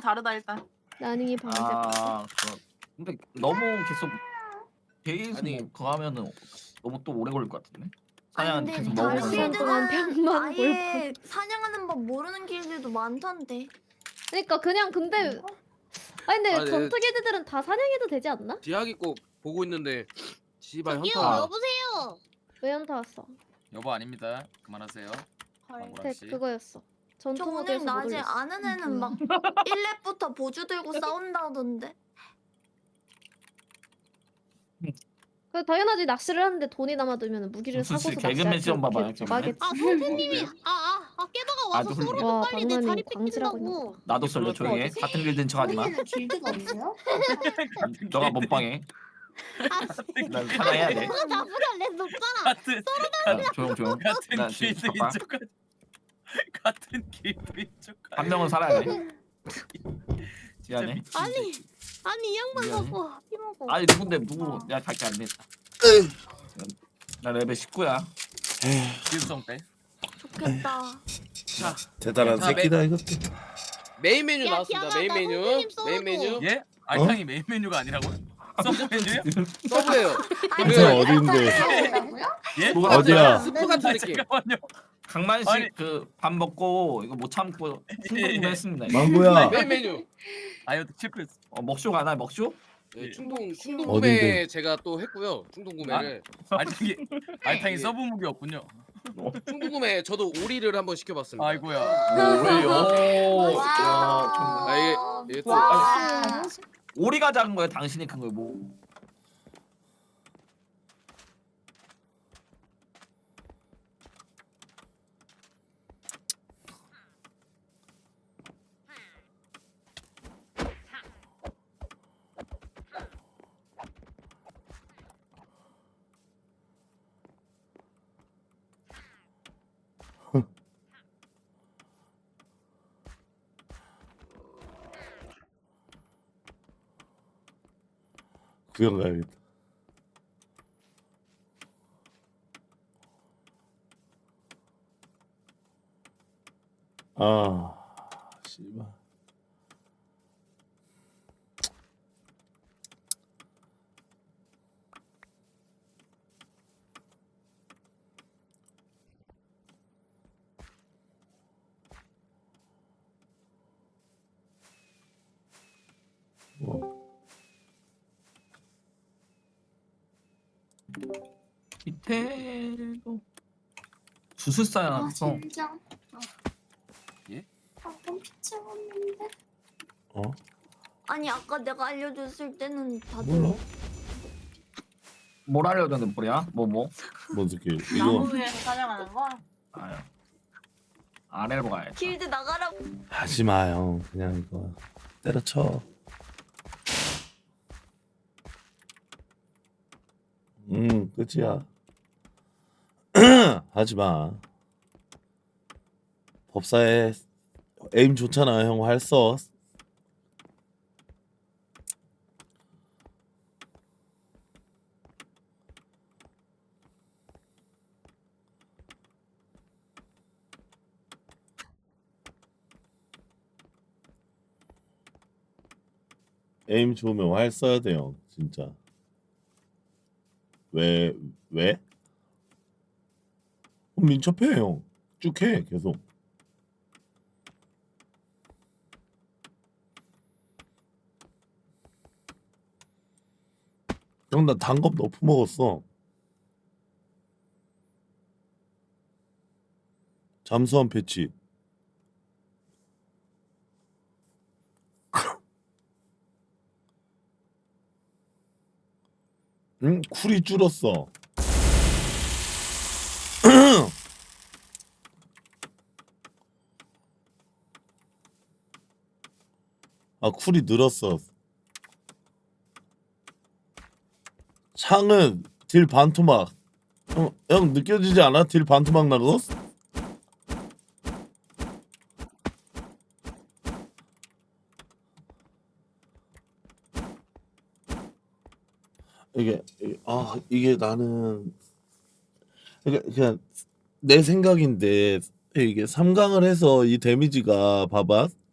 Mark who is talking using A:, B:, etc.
A: 다르다 일단.
B: 나닝이 방제.
C: 근데 너무 계속
D: 아니.
C: 뭐 그거 하면은 너무 또 오래 걸릴 것 같은데.
E: 아니
C: 사냥
E: 근데
C: 계속
E: 다른
C: 먹으면.
B: 시간 동안 병만
E: 아예 사냥하는 법 모르는 길들도 많던데.
B: 그러니까 그냥 근데 아니 근데
D: 아, 네.
B: 전투 길드들은 다 사냥해도 되지 않나?
D: 디아기 꼭 보고 있는데 지발
F: 저기요
D: 현타.
F: 여보세요.
B: 왜 현타 왔어?
G: 여보 아닙니다. 그만하세요.
A: 헐.
G: 망고라 씨.
B: 그거였어. 전투
E: 저 오늘
B: 모드에서 못
E: 낮에
B: 올렸어.
E: 아는 애는 막 1렙부터 보주 들고 싸운다던데.
B: 그 당연하지 낚시를 하는데 돈이 남아들면 무기를
C: 무슨
B: 사고서
C: 씨, 개그맨 시험 봐봐요,
B: 낚시할
C: 정말.
B: 하겠지.
F: 아 선생님이 깨다가 와서
C: 아주
F: 쏘르면
B: 와,
F: 빨리 내
B: 박나니
F: 자리
B: 광질하고
F: 뺏긴다고.
C: 나도 썰려 조용히 해. 같은 길든 척하지 마.
H: 길드가 있어요?
C: 너가 몸빵해. 난 사냥해야 돼.
F: 나보다 내 높잖아.
G: 같은
C: 조용.
G: 같은
C: 나 지금
G: 길드인
C: 봐봐.
G: 척. 같은 길드인 척.
C: 한 명은 살아야 돼. 미안해.
F: 아니 이 양반
C: 미안해.
F: 먹고 피 먹고.
C: 아니 누군데 누구? 내가 갈게 안 됐다. 나 레벨 19야.
G: 길성 때.
E: 좋겠다.
I: 대단한
G: 자,
I: 새끼다 이것도.
D: 메인 메뉴
F: 야,
D: 나왔습니다.
F: 디아가
D: 메인
F: 나
D: 메뉴.
F: 선생님 쏘고.
D: 메인 메뉴.
G: 예? 알탕이 메인 메뉴가 아니라고요? 서브 메뉴요?
D: 서브예요.
I: 무슨 어딘데?
G: 예?
C: 뭐가
I: 어디야?
D: 스프 같은 느낌.
G: 잠깐만요.
C: 강만식
G: 아니.
C: 그 밥 먹고 이거 못 참고 충동구매했습니다.
I: 망고야.
D: 메인 메뉴.
G: 아유 실패했어.
C: 먹쇼 가나 먹쇼?
D: 네, 충동
I: 어딘데?
D: 구매 제가 또 했고요. 충동 구매를.
G: 알탕이 서브 무기 없군요.
D: 충동 구매 저도 오리를 한번 시켜봤습니다.
G: 아이고야.
C: 오.
D: 아 이게 또
E: 와.
C: 오리가 작은 거야? 당신이 큰 거야? 뭐?
I: 구경 가야겠다. 아, 씨발. 뭐.
C: 밑에도 주술사야서
H: 진짜.
G: 예?
H: 방금 피치웠는데.
I: 어?
E: 아니 아까 내가 알려줬을 때는 다들
I: 몰라.
C: 뭘 하려던 뭐야? 뭐?
I: 뭔 새끼? 이거
A: 나무 위에서 사냥하는 거?
C: 아유. 아래로 가야지.
E: 길드 나가라고.
I: 하지 마, 형. 그냥 이거 때려쳐. 끝이야. 하지 마. 법사에 에임 좋잖아, 형. 할 써. 에임 좋으면 활 써야 돼요, 진짜. 왜? 민첩해, 형. 쭉 해, 계속. 형, 나 단겁 너프 먹었어. 잠수함 패치. 응? 쿨이 줄었어. 아, 쿨이 늘었어. 창은 딜 반토막. 형 느껴지지 않아? 딜 반토막 나고? 이게 나는 그냥 내 생각인데 이게 3강을 해서 이 데미지가 봐봐